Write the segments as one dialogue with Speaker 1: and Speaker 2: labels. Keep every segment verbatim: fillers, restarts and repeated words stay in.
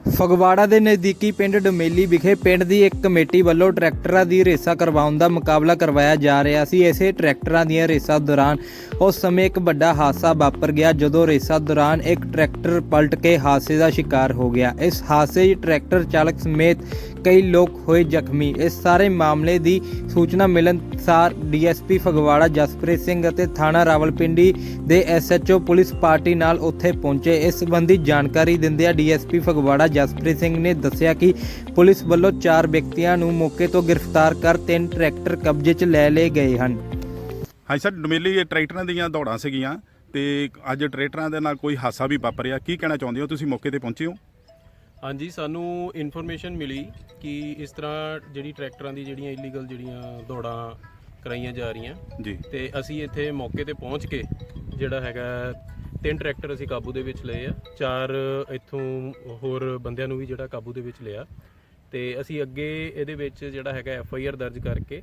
Speaker 1: ਫਗਵਾੜਾ ਦੇ ਨਜ਼ਦੀਕੀ ਪਿੰਡ ਡਮੇਲੀ ਵਿਖੇ ਪਿੰਡ ਦੀ ਇੱਕ ਕਮੇਟੀ ਵੱਲੋਂ ਟਰੈਕਟਰਾਂ ਦੀ ਰੇਸਾਂ ਕਰਵਾਉਣ ਦਾ ਮੁਕਾਬਲਾ ਕਰਵਾਇਆ ਜਾ ਰਿਹਾ ਸੀ। ਇਸੇ ਟਰੈਕਟਰਾਂ ਦੀਆਂ ਰੇਸਾਂ ਦੌਰਾਨ ਉਸ ਸਮੇਂ ਇੱਕ ਵੱਡਾ ਹਾਦਸਾ ਵਾਪਰ ਗਿਆ, ਜਦੋਂ ਰੇਸਾਂ ਦੌਰਾਨ ਇੱਕ ਟਰੈਕਟਰ ਪਲਟ ਕੇ ਹਾਦਸੇ ਦਾ ਸ਼ਿਕਾਰ ਹੋ ਗਿਆ। ਇਸ ਹਾਦਸੇ 'ਚ ਟਰੈਕਟਰ ਚਾਲਕ ਸਮੇਤ ਕਈ ਲੋਕ ਹੋਏ ਜ਼ਖਮੀ। ਇਸ ਸਾਰੇ ਮਾਮਲੇ ਦੀ ਸੂਚਨਾ ਮਿਲਣ ਸਾਰ ਡੀਐਸਪੀ ਫਗਵਾੜਾ ਜਸਪ੍ਰੀਤ ਸਿੰਘ ਅਤੇ ਥਾਣਾ ਰਾਵਲਪਿੰਡੀ ਦੇ ਐਸਐਚਓ ਪੁਲਿਸ ਪਾਰਟੀ ਨਾਲ ਉੱਥੇ ਪਹੁੰਚੇ। ਇਸ ਸੰਬੰਧੀ ਜਾਣਕਾਰੀ ਦਿੰਦਿਆਂ ਡੀਐਸਪੀ ਫਗਵਾੜਾ ਜਸਪ੍ਰੀਤ ਸਿੰਘ ਨੇ ਦੱਸਿਆ ਕਿ ਪੁਲਿਸ ਵੱਲੋਂ ਚਾਰ ਵਿਅਕਤੀਆਂ ਨੂੰ ਮੌਕੇ ਤੋਂ ਗ੍ਰਿਫਤਾਰ ਕਰ ਤਿੰਨ ਟਰੈਕਟਰ ਕਬਜ਼ੇ 'ਚ ਲੈ ਲਏ ਗਏ ਹਨ।
Speaker 2: ਹਾਂਜੀ ਸਰ, ਡਮੇਲੀ ਟਰੈਕਟਰਾਂ ਦੀਆਂ ਦੌੜਾਂ ਸੀਗੀਆਂ ਤੇ ਅੱਜ ਟਰੈਕਟਰਾਂ ਦੇ ਨਾਲ ਕੋਈ ਹਾਦਸਾ ਵੀ ਵਾਪਰਿਆ। ਕੀ ਕਹਿਣਾ ਚਾਹੁੰਦੇ ਹੋ, ਤੁਸੀਂ ਮੌਕੇ ਤੇ ਪਹੁੰਚੇ ਹੋ?
Speaker 3: ਹਾਂਜੀ, ਸਾਨੂੰ ਇਨਫੋਰਮੇਸ਼ਨ ਮਿਲੀ ਕਿ ਇਸ ਤਰ੍ਹਾਂ ਜਿਹੜੀ ਟਰੈਕਟਰਾਂ ਦੀ ਜਿਹੜੀਆਂ ਇਲੀਗਲ ਜਿਹੜੀਆਂ ਦੌੜਾਂ ਕਰਾਈਆਂ ਜਾ ਰਹੀਆਂ
Speaker 2: ਜੀ,
Speaker 3: ਤੇ ਅਸੀਂ ਇੱਥੇ ਮੌਕੇ ਤੇ ਪਹੁੰਚ ਕੇ ਜਿਹੜਾ ਹੈਗਾ ਤਿੰਨ ਟਰੈਕਟਰ ਅਸੀਂ ਕਾਬੂ ਦੇ ਵਿੱਚ ਲਏ ਆ, ਚਾਰ ਇੱਥੋਂ ਹੋਰ ਬੰਦਿਆਂ ਨੂੰ ਵੀ ਜਿਹੜਾ ਕਾਬੂ ਦੇ ਵਿੱਚ ਲਿਆ ਤੇ ਅਸੀਂ ਅੱਗੇ ਇਹਦੇ ਵਿੱਚ ਜਿਹੜਾ ਹੈਗਾ ਐਫ ਆਈ ਆਰ ਦਰਜ ਕਰਕੇ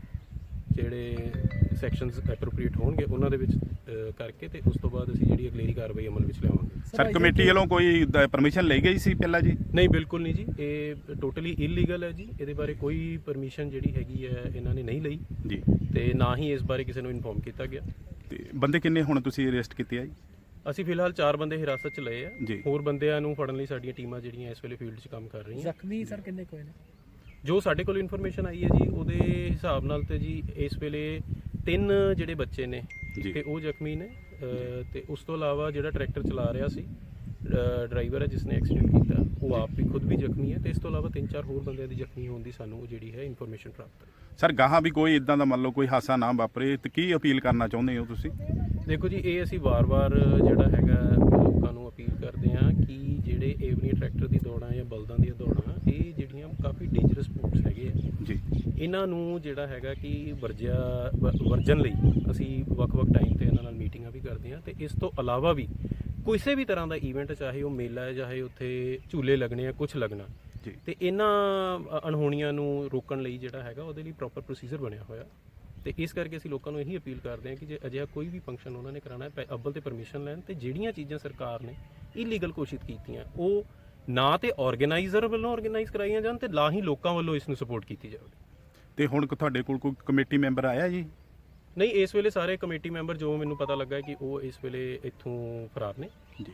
Speaker 3: ਜਿਹੜੇ ਸੈਕਸ਼ਨਸ ਐਪਰੋਪਰੀਏਟ ਹੋਣਗੇ ਉਹਨਾਂ ਦੇ ਵਿੱਚ ਕਰਕੇ ਤੇ ਉਸ ਤੋਂ ਬਾਅਦ ਅਸੀਂ ਜਿਹੜੀ ਅਗਲੇਰੀ ਕਾਰਵਾਈ ਅਮਲ ਵਿੱਚ ਲਿਆਵਾਂਗੇ।
Speaker 2: ਸਰ, ਕਮੇਟੀ ਵੱਲੋਂ ਕੋਈ ਪਰਮਿਸ਼ਨ ਲਈ ਗਈ ਸੀ ਪਹਿਲਾਂ ਜੀ?
Speaker 3: ਨਹੀਂ, ਬਿਲਕੁਲ ਨਹੀਂ ਜੀ, ਇਹ ਟੋਟਲੀ ਇਲੀਗਲ ਹੈ ਜੀ। ਇਹਦੇ ਬਾਰੇ ਕੋਈ ਪਰਮਿਸ਼ਨ ਜਿਹੜੀ ਹੈਗੀ ਹੈ ਇਹਨਾਂ ਨੇ ਨਹੀਂ ਲਈ
Speaker 2: ਜੀ,
Speaker 3: ਤੇ ਨਾ ਹੀ ਇਸ ਬਾਰੇ ਕਿਸੇ ਨੂੰ ਇਨਫੋਰਮ ਕੀਤਾ ਗਿਆ।
Speaker 2: ਤੇ ਬੰਦੇ ਕਿੰਨੇ ਹੁਣ ਤੁਸੀਂ ਅਰੈਸਟ ਕੀਤੇ ਆ ਜੀ?
Speaker 3: ਅਸੀਂ ਫਿਲਹਾਲ ਚਾਰ ਬੰਦੇ ਹਿਰਾਸਤ 'ਚ ਲਏ ਆ
Speaker 2: ਜੀ।
Speaker 3: ਹੋਰ ਬੰਦਿਆਂ ਨੂੰ ਫੜਨ ਲਈ ਸਾਡੀਆਂ ਟੀਮਾਂ ਜਿਹੜੀਆਂ ਇਸ ਵੇਲੇ ਫੀਲਡ 'ਚ ਕੰਮ ਕਰ ਰਹੀਆਂ।
Speaker 4: ਜ਼ਖਮੀ ਸਰ ਕਿੰਨੇ ਕੋਈ ਨੇ?
Speaker 3: ਜੋ ਸਾਡੇ ਕੋਲ ਇਨਫੋਰਮੇਸ਼ਨ ਆਈ ਹੈ ਜੀ ਉਹਦੇ ਹਿਸਾਬ ਨਾਲ ਤੇ ਜੀ ਇਸ ਵੇਲੇ ਤਿੰਨ ਜਿਹੜੇ ਬੱਚੇ ਨੇ ਤੇ ਉਹ ਜ਼ਖਮੀ ਨੇ ਤੇ ਉਸ ਤੋਂ ਇਲਾਵਾ ਜਿਹੜਾ ਟਰੈਕਟਰ ਚਲਾ ਰਿਹਾ ਸੀ ਡਰਾਈਵਰ ਹੈ ਜਿਸ ਨੇ ਐਕਸੀਡੈਂਟ ਕੀਤਾ ਉਹ ਆਪ ਵੀ ਖੁਦ ਵੀ ਜ਼ਖਮੀ ਹੈ ਤੇ ਇਸ ਤੋਂ ਇਲਾਵਾ ਤਿੰਨ ਚਾਰ ਹੋਰ ਬੰਦਿਆਂ ਦੀ ਜ਼ਖਮੀ ਹੋਣ ਦੀ ਸਾਨੂੰ ਜਿਹੜੀ ਹੈ ਇਨਫੋਰਮੇਸ਼ਨ ਪ੍ਰਾਪਤ ਹੈ।
Speaker 2: ਸਰ, ਗਾਹਾਂ ਵੀ ਕੋਈ ਇਦਾਂ ਦਾ ਮੰਨ ਲਓ ਕੋਈ ਹਾਦਸਾ ਨਾ ਵਾਪਰੇ ਤੇ ਕੀ ਅਪੀਲ ਕਰਨਾ ਚਾਹੁੰਦੇ ਹੋ ਤੁਸੀਂ?
Speaker 3: ਦੇਖੋ ਜੀ, ਇਹ ਅਸੀਂ ਵਾਰ-ਵਾਰ ਜਿਹੜਾ ਹੈਗਾ ਲੋਕਾਂ ਨੂੰ ਅਪੀਲ ਕਰਦੇ ਹਾਂ ਕਿ ਜਿਹੜੇ ਏਵਨੀ ਟਰੈਕਟਰ ਦੀ ਦੌੜਾਂ ਜਾਂ ਬਲਦਾਂ ਦੀਆਂ ਦੌੜਾਂ ਇਹ ਜਿਹੜੀਆਂ ਕਾਫੀ ਡੇਂਜਰਸ ਸਪੋਰਟਸ ਹੈਗੇ ਆ
Speaker 2: ਜੀ,
Speaker 3: ਇਹਨਾਂ ਨੂੰ ਜਿਹੜਾ ਹੈਗਾ ਕਿ ਵਰਜਿਆ ਵਰਜਨ ਲਈ ਅਸੀਂ ਵੱਖ-ਵੱਖ ਟਾਈਮ ਤੇ ਇਹਨਾਂ ਨਾਲ ਮੀਟਿੰਗਾਂ ਵੀ ਕਰਦੇ ਹਾਂ ਤੇ ਇਸ ਤੋਂ ਇਲਾਵਾ ਵੀ ਕਿਸੇ ਵੀ ਤਰ੍ਹਾਂ ਦਾ ਈਵੈਂਟ, ਚਾਹੇ ਉਹ ਮੇਲਾ ਹੈ ਚਾਹੇ ਉੱਥੇ ਝੂਲੇ ਲੱਗਣੇ ਆ ਕੁਝ ਲੱਗਣਾ
Speaker 2: ਜੀ, ਤੇ
Speaker 3: ਇਹਨਾਂ ਅਣਹੋਣੀਆਂ ਨੂੰ ਰੋਕਣ ਲਈ ਜਿਹੜਾ ਹੈਗਾ ਉਹਦੇ ਲਈ ਪ੍ਰੋਪਰ ਪ੍ਰੋਸੀਜਰ ਬਣਿਆ ਹੋਇਆ ਤੇ ਇਸ ਕਰਕੇ ਅਸੀਂ ਲੋਕਾਂ ਨੂੰ ਇਹੀ ਅਪੀਲ ਕਰਦੇ ਹਾਂ ਕਿ ਜੇ ਅਜਿਹਾ ਕੋਈ ਵੀ ਫੰਕਸ਼ਨ ਉਹਨਾਂ ਨੇ ਕਰਾਉਣਾ ਹੈ ਅੱਵਲ ਤੇ ਪਰਮਿਸ਼ਨ ਲੈਣ ਤੇ ਜਿਹੜੀਆਂ ਚੀਜ਼ਾਂ ਸਰਕਾਰ ਨੇ ਇਲੀਗਲ ਘੋਸ਼ਿਤ ਕੀਤੀਆਂ ਉਹ ਨਾ ਤੇ ਆਰਗੇਨਾਈਜ਼ਰ ਵੱਲੋਂ ਆਰਗੇਨਾਈਜ਼ ਕਰਾਈਆਂ ਜਾਣ ਤੇ ਨਾ ਹੀ ਲੋਕਾਂ ਵੱਲੋਂ ਇਸ ਨੂੰ ਸਪੋਰਟ ਕੀਤੀ ਜਾਵੇ। ਤੇ
Speaker 2: ਹੁਣ ਤੁਹਾਡੇ ਕੋਲ ਕੋਈ ਕਮੇਟੀ ਮੈਂਬਰ ਆਇਆ ਜੀ?
Speaker 3: ਨਹੀਂ, ਇਸ ਵੇਲੇ ਸਾਰੇ ਕਮੇਟੀ ਮੈਂਬਰ ਜੋ ਮੈਨੂੰ ਪਤਾ ਲੱਗਾ ਕਿ ਉਹ ਇਸ ਵੇਲੇ ਇੱਥੋਂ ਫਰਾਰ ਨੇ
Speaker 2: ਜੀ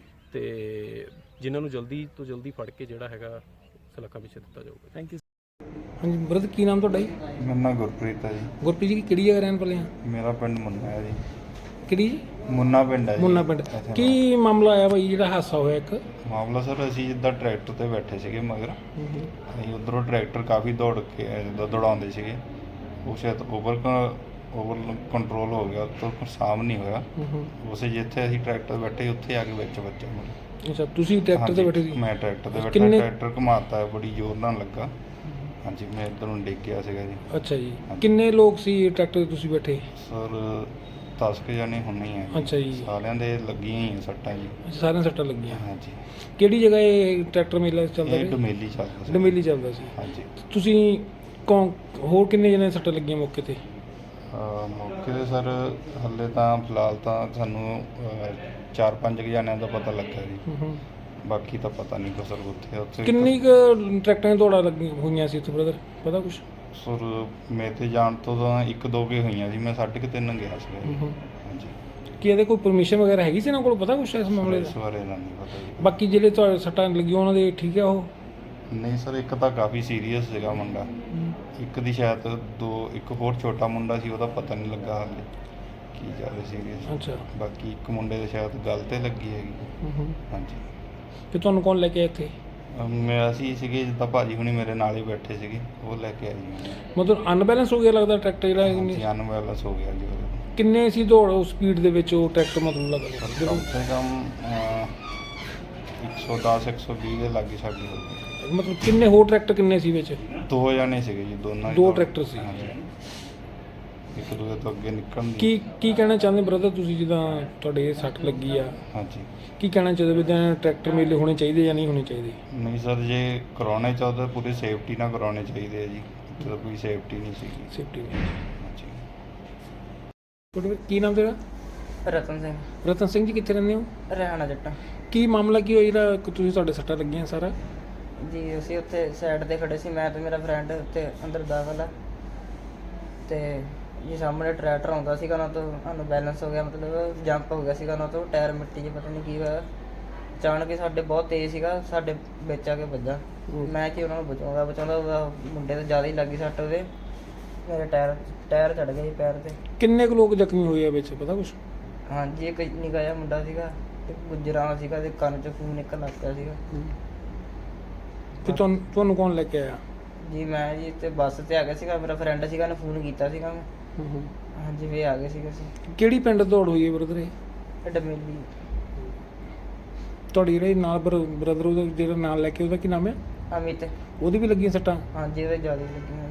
Speaker 3: ਤੇ ਜਿਨ੍ਹਾਂ ਨੂੰ ਜਲਦੀ ਤੋਂ ਜਲਦੀ ਫੜ ਕੇ ਜਿਹੜਾ ਹੈਗਾ ਸਲਾਖਾਂ ਵਿੱਚ ਦਿੱਤਾ ਜਾਊਗਾ।
Speaker 4: Thank you. ਹਾਂਜੀ ਬ੍ਰਦਰ, ਕੀ ਨਾਮ ਤੁਹਾਡਾ ਜੀ?
Speaker 5: ਮੇਰਾ ਨਾਮ ਗੁਰਪ੍ਰੀਤ ਹੈ ਜੀ।
Speaker 4: ਗੁਰਪ੍ਰੀਤ ਜੀ ਕਿਹੜੀ ਜਗ੍ਹਾ ਰਹਿਣ ਵਾਲੇ ਆ?
Speaker 5: ਮੇਰਾ ਪਿੰਡ ਮੁੰਨਾ ਹੈ ਜੀ।
Speaker 4: ਕਿਹੜੀ ਜੀ?
Speaker 5: ਮੁੰਨਾ ਪਿੰਡ ਹੈ ਜੀ।
Speaker 4: ਮੁੰਨਾ ਪਿੰਡ। ਕੀ ਮਾਮਲਾ ਆਇਆ ਬਾਈ ਜਿਹੜਾ ਹਾਦਸਾ ਹੋਇਆ ਇੱਕ?
Speaker 5: ਮਾਮਲਾ ਸਰ, ਅਸੀਂ ਜਿੱਦਾਂ ਟਰੈਕਟਰ ਤੇ ਬੈਠੇ ਸੀਗੇ ਮਗਰ ਅਸੀਂ ਉਧਰੋਂ ਟਰੈਕਟਰ ਕਾਫੀ ਦੌੜ ਕੇ ਜਿੱਦਾਂ ਦੌੜਾਉਂਦੇ ਸੀਗੇ ਉਹ ਸ਼ਾਇਦ ਓਵਰ ਓਵਰ ਕੰਟਰੋਲ ਹੋ ਗਿਆ ਤਾਂ ਸਾਮ ਨਹੀਂ ਹੋਇਆ। ਉਸੇ ਜਿੱਥੇ ਅਸੀਂ ਟਰੈਕਟਰ ਬੈਠੇ ਉੱਥੇ ਆ ਕੇ ਵਿੱਚ ਵੱਜਿਆ ਮੇਰੇ।
Speaker 4: ਅੱਛਾ, ਤੁਸੀਂ ਟਰੈਕਟਰ ਤੇ ਬੈਠੇ ਸੀ?
Speaker 5: ਮੈਂ ਟਰੈਕਟਰ ਤੇ ਬੈਠਾ, ਟਰੈਕਟਰ ਘੁਮਾਤਾ ਬੜੀ ਜ਼ੋਰ ਨਾਲ ਲੱਗਾ। ਹਾਂਜੀ, ਮੈਂ ਇੱਧਰ ਨੂੰ ਡਿੱਗ ਗਿਆ ਸੀਗਾ ਜੀ।
Speaker 4: ਅੱਛਾ ਜੀ, ਕਿੰਨੇ ਲੋਕ ਸੀ ਟਰੈਕਟਰ ਤੇ ਤੁਸੀਂ ਬੈਠੇ?
Speaker 5: ਸਰ ਦਸ ਕੁ ਜਾਣੇ ਹੋਣੇ ਹੀ ਆ।
Speaker 4: ਅੱਛਾ ਜੀ,
Speaker 5: ਸਾਰਿਆਂ ਦੇ ਲੱਗੀਆਂ ਹੀ ਸੱਟਾਂ ਜੀ।
Speaker 4: ਸਾਰਿਆਂ ਸੱਟਾਂ ਲੱਗੀਆਂ?
Speaker 5: ਹਾਂਜੀ।
Speaker 4: ਕਿਹੜੀ ਜਗ੍ਹਾ ਇਹ ਟਰੈਕਟਰ ਮੇਲਾ ਚੱਲਦਾ
Speaker 5: ਇਹ
Speaker 4: ਸੀ?
Speaker 5: ਡਮੇਲੀ ਚੱਲਦਾ ਸੀ।
Speaker 4: ਡਮੇਲੀ ਚੱਲਦਾ ਸੀ।
Speaker 5: ਹਾਂਜੀ।
Speaker 4: ਤੁਸੀਂ ਕੌਣ ਹੋਰ ਕਿੰਨੇ ਜਣੇ ਸੱਟਾਂ ਲੱਗੀਆਂ ਮੌਕੇ ਤੇ?
Speaker 5: ਮੌਕੇ 'ਤੇ ਸਰ ਹਾਲੇ ਤਾਂ ਫਿਲਹਾਲ ਤਾਂ ਸਾਨੂੰ ਚਾਰ ਪੰਜ ਕੁ ਜਣਿਆਂ ਦਾ ਪਤਾ ਲੱਗਾ ਜੀ, ਬਾਕੀ ਤਾਂ ਪਤਾ ਨਹੀਂ ਕੋ ਸਰ। ਉੱਥੇ ਉੱਥੇ
Speaker 4: ਕਿੰਨੀ ਕੁ ਟਰੈਕਟਰਾਂ ਦੀਆਂ ਦੌੜਾਂ ਲੱਗੀਆਂ ਹੋਈਆਂ ਸੀ ਉੱਥੇ ਬ੍ਰਦਰ, ਪਤਾ ਕੁਛ?
Speaker 5: ਸਰ ਮੈਂ ਤੇ ਜਾਣ ਤੋਂ ਤਾਂ ਇੱਕ ਦੋ ਕੁ ਹੋਈਆਂ ਸੀ, ਮੈਂ ਸਾਢੇ ਕੁ ਤਿੰਨ ਗਿਆ ਸੀ। ਹਾਂਜੀ।
Speaker 4: ਕੀ ਇਹਦੇ ਕੋਈ ਪਰਮਿਸ਼ਨ ਵਗੈਰਾ ਹੈਗੀ ਸੀ ਇਹਨਾਂ ਕੋਲ, ਪਤਾ ਕੁਛ ਇਸ ਮਾਮਲੇ
Speaker 5: ਇਸ
Speaker 4: ਦਾ?
Speaker 5: ਬਾਰੇ ਤਾਂ ਨਹੀਂ ਪਤਾ ਜੀ।
Speaker 4: ਬਾਕੀ ਜਿਹੜੇ ਤੁਹਾਡੇ ਸੱਟਾਂ ਲੱਗੀਆਂ ਉਹਨਾਂ ਦੇ ਠੀਕ ਆ ਉਹ?
Speaker 5: ਨਹੀਂ ਸਰ, ਇੱਕ ਤਾਂ ਕਾਫੀ ਸੀਰੀਅਸ ਸੀਗਾ ਮੁੰਡਾ, ਇੱਕ ਦੀ ਸ਼ਾਇਦ ਦੋ ਇੱਕ ਹੋਰ ਛੋਟਾ ਮੁੰਡਾ ਸੀ ਉਹਦਾ ਪਤਾ ਨਹੀਂ ਲੱਗਾ ਹਾਲੇ ਕੀ ਜ਼ਿਆਦਾ ਸੀਰੀਅਸ।
Speaker 4: ਅੱਛਾ।
Speaker 5: ਬਾਕੀ ਇੱਕ ਮੁੰਡੇ ਦੇ ਸ਼ਾਇਦ ਗੱਲ ਤੇ ਲੱਗੀ ਹੈਗੀ। ਹਾਂਜੀ।
Speaker 4: ਤੇ ਤੁਹਾਨੂੰ ਕੌਣ ਲੈ ਕੇ ਆਇਆ ਇੱਥੇ?
Speaker 5: ਮੈਂ ਅਸੀਂ ਸੀਗੇ ਜਿੱਦਾਂ ਭਾਜੀ ਹੁਣੀ ਮੇਰੇ ਨਾਲ ਹੀ ਬੈਠੇ ਸੀਗੇ, ਉਹ ਲੈ ਕੇ ਆਏ ਜੀ।
Speaker 4: ਮਤਲਬ ਅਨਬੈਲੈਂਸ ਹੋ ਗਿਆ ਲੱਗਦਾ ਟਰੈਕਟਰ ਜਿਹੜਾ?
Speaker 5: ਹਾਂਜੀ, ਅਨਬੈਲੈਂਸ ਹੋ ਗਿਆ ਜੀ ਉਹਦੇ।
Speaker 4: ਕਿੰਨੇ ਸੀ ਦੌੜ ਉਸ ਸਪੀਡ ਦੇ ਵਿੱਚ ਉਹ ਟਰੈਕਟਰ ਮਤਲਬ ਲੱਗਦਾ?
Speaker 5: ਕਮ ਸੇ ਕਮ ਇੱਕ ਸੌ ਦਸ ਇੱਕ ਸੌ ਵੀਹ ਦੇ ਲਾਗੇ ਸਾਡੀ ਹੋ ਗਈ।
Speaker 4: ਮਤਲਬ ਕਿੰਨੇ ਹੋਰ ਟਰੈਕਟਰ ਕਿੰਨੇ ਸੀ ਵਿੱਚ?
Speaker 5: ਦੋ ਜਣੇ ਸੀਗੇ ਜੀ, ਦੋਨਾਂ ਹੀ
Speaker 4: ਦੋ
Speaker 5: ਦੌੜ-
Speaker 4: ਟਰੈਕਟਰ ਸੀ।
Speaker 5: ਹਾਂਜੀ। ਇੱਕ ਦੂਜੇ ਤੋਂ ਅੱਗੇ ਨਿਕਲਣ ਦੀ।
Speaker 4: ਕੀ ਕੀ ਕਹਿਣਾ ਚਾਹੁੰਦੇ ਬ੍ਰਦਰ ਤੁਸੀਂ, ਜਿੱਦਾਂ ਤੁਹਾਡੇ ਇਹ ਸੱਟ ਲੱਗੀ ਆ,
Speaker 5: ਹਾਂਜੀ।
Speaker 4: ਕੀ ਕਹਿਣਾ ਚਾਹੁੰਦੇ ਵੀ ਤਾਂ ਟਰੈਕਟਰ ਮੇਲੇ ਹੋਣੇ ਚਾਹੀਦੇ ਜਾਂ ਨਹੀਂ ਹੋਣੇ ਚਾਹੀਦੇ?
Speaker 5: ਨਹੀਂ ਸਰ, ਜੇ ਕਰਾਉਣੇ ਚਾਹੁੰਦੇ ਪੂਰੀ ਸੇਫਟੀ ਨਾਲ ਕਰਾਉਣੇ ਚਾਹੀਦੇ ਆ ਜੀ। ਇੱਥੇ ਤਾਂ ਕੋਈ ਸੇਫਟੀ ਨਹੀਂ ਸੀਗੀ।
Speaker 4: ਸੇਫਟੀ
Speaker 5: ਹਾਂਜੀ।
Speaker 4: ਤੁਹਾਡਾ ਕੀ ਨਾਮ ਤੇਰਾ?
Speaker 6: ਰਤਨ ਸਿੰਘ।
Speaker 4: ਰਤਨ ਸਿੰਘ ਜੀ, ਕਿੱਥੇ ਰਹਿੰਦੇ ਹੋ?
Speaker 6: ਰਹਿਣਾ ਜੱਟਾਂ।
Speaker 4: ਕੀ ਮਾਮਲਾ ਕੀ ਹੋਇਆ ਜਿਹੜਾ ਤੁਸੀਂ ਤੁਹਾਡੇ ਸੱਟਾਂ ਲੱਗੀਆਂ ਸਾਰਾ?
Speaker 6: ਜੀ ਅਸੀਂ ਉੱਥੇ ਸਾਈਡ ਤੇ ਖੜੇ ਸੀ, ਮੈਂ ਤੇ ਮੇਰਾ ਫਰੈਂਡ ਉੱਥੇ ਅੰਦਰ ਦਾਖਲ ਆ ਤੇ ਜੀ ਸਾਹਮਣੇ ਟਰੈਕਟਰ ਆਉਂਦਾ ਸੀਗਾ, ਉਹਨਾਂ ਤੋਂ ਸਾਨੂੰ ਬੈਲੈਂਸ ਹੋ ਗਿਆ, ਮਤਲਬ ਜੰਪ ਹੋ ਗਿਆ ਸੀਗਾ ਉਹਨਾਂ ਤੋਂ, ਟਾਇਰ ਮਿੱਟੀ 'ਚ ਪਤਾ ਨਹੀਂ ਕੀ ਹੋਇਆ, ਅਚਾਨਕ ਹੀ ਸਾਡੇ ਬਹੁਤ ਤੇਜ਼ ਸੀਗਾ, ਸਾਡੇ ਵਿੱਚ ਆ ਕੇ ਵੱਜਾ। ਮੈਂ ਕਿ ਉਹਨਾਂ ਨੂੰ ਬਚਾਉਂਦਾ ਬਚਾਉਂਦਾ ਉਹਦਾ ਮੁੰਡੇ ਤੇ ਜ਼ਿਆਦਾ ਹੀ ਲੱਗੀ ਸੱਟ, ਉਹਦੇ ਮੇਰੇ ਟਾਇਰ ਟਾਇਰ ਚੜ ਗਿਆ ਜੀ ਪੈਰ ਤੇ।
Speaker 4: ਕਿੰਨੇ ਕੁ ਲੋਕ ਜ਼ਖਮੀ ਹੋਏ ਆ ਵਿੱਚ, ਪਤਾ ਕੁਛ?
Speaker 6: ਹਾਂਜੀ ਇੱਕ ਨਿੱਕਾ ਜਿਹਾ ਮੁੰਡਾ ਸੀਗਾ, ਤੇ ਗੁਜਰਾਂ ਸੀਗਾ, ਤੇ ਕੰਨ 'ਚ ਖੂਨ ਨਿਕਲ ਲੱਗ ਪਿਆ ਸੀਗਾ।
Speaker 4: ਤੇ ਤੁਹਾਨੂੰ ਤੁਹਾਨੂੰ ਕੌਣ ਲੈ ਕੇ ਆਇਆ?
Speaker 6: ਜੀ ਮੈਂ ਜੀ ਤੇ ਬੱਸ ਤੇ ਆ ਗਿਆ ਸੀਗਾ, ਮੇਰਾ ਫਰੈਂਡ ਸੀਗਾ, ਉਹਨੇ ਫੋਨ ਕੀਤਾ ਸੀਗਾ ਮੈਂ। ਹਾਂਜੀ ਵੀ ਆ ਗਏ ਸੀਗੇ ਅਸੀਂ।
Speaker 4: ਕਿਹੜੀ ਪਿੰਡ ਦੌੜ ਹੋਈ ਹੈ ਬ੍ਰਦਰ ਇਹ?
Speaker 6: ਇਹ ਡਮੇਲੀ।
Speaker 4: ਤੁਹਾਡੀ ਜਿਹੜੇ ਨਾਲ ਬ੍ਰਦਰ ਉਹਦਾ ਜਿਹੜਾ ਨਾਲ ਲੈ ਕੇ ਉਹਦਾ ਕੀ ਨਾਮ ਹੈ?
Speaker 6: ਅਮਿਤ।
Speaker 4: ਉਹਦੀ ਵੀ ਲੱਗੀਆਂ ਸੱਟਾਂ?
Speaker 6: ਹਾਂਜੀ ਉਹਦੇ ਜ਼ਿਆਦਾ ਲੱਗੀਆਂ।